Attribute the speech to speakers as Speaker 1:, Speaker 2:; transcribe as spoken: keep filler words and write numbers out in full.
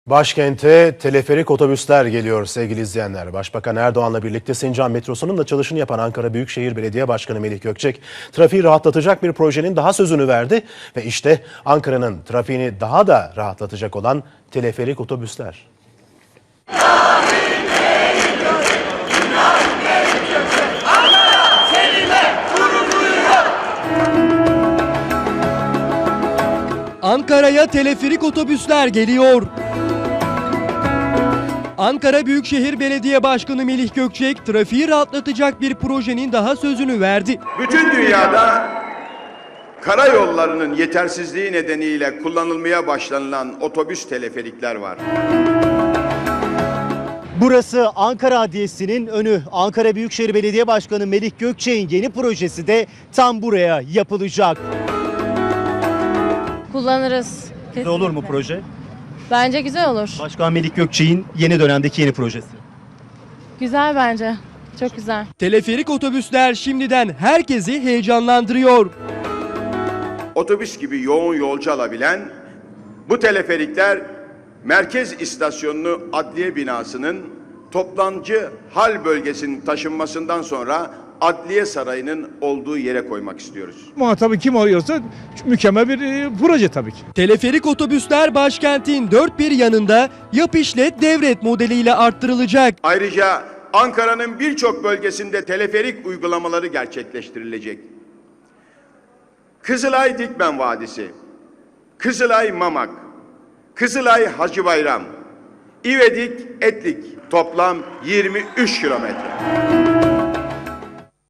Speaker 1: Başkente teleferik otobüsler geliyor sevgili izleyenler. Başbakan Erdoğan'la birlikte Sincan metrosunun da çalışını yapan Ankara Büyükşehir Belediye Başkanı Melih Gökçek, trafiği rahatlatacak bir projenin daha sözünü verdi. Ve işte Ankara'nın trafiğini daha da rahatlatacak olan teleferik otobüsler.
Speaker 2: Ankara'ya teleferik otobüsler geliyor. Ankara Büyükşehir Belediye Başkanı Melih Gökçek, trafiği rahatlatacak bir projenin daha sözünü verdi.
Speaker 3: Bütün dünyada karayollarının yetersizliği nedeniyle kullanılmaya başlanılan otobüs teleferikler var.
Speaker 4: Burası Ankara Adliyesi'nin önü. Ankara Büyükşehir Belediye Başkanı Melih Gökçek'in yeni projesi de tam buraya yapılacak.
Speaker 5: Kullanırız.
Speaker 4: Ne olur mu proje?
Speaker 5: Bence güzel olur.
Speaker 4: Başkan Melih Gökçek'in yeni dönemdeki yeni projesi.
Speaker 5: Güzel bence. Çok güzel.
Speaker 2: Teleferik otobüsler şimdiden herkesi heyecanlandırıyor.
Speaker 3: Otobüs gibi yoğun yolcu alabilen bu teleferikler merkez istasyonunu adliye binasının toplancı hal bölgesinin taşınmasından sonra Adliye Sarayı'nın olduğu yere koymak istiyoruz.
Speaker 6: Muhatabı kim oluyorsa mükemmel bir e, proje tabii ki.
Speaker 2: Teleferik otobüsler başkentin dört bir yanında yap işlet devret modeliyle arttırılacak.
Speaker 3: Ayrıca Ankara'nın birçok bölgesinde teleferik uygulamaları gerçekleştirilecek. Kızılay Dikmen Vadisi, Kızılay Mamak, Kızılay Hacıbayram, İvedik Etlik toplam yirmi üç kilometre.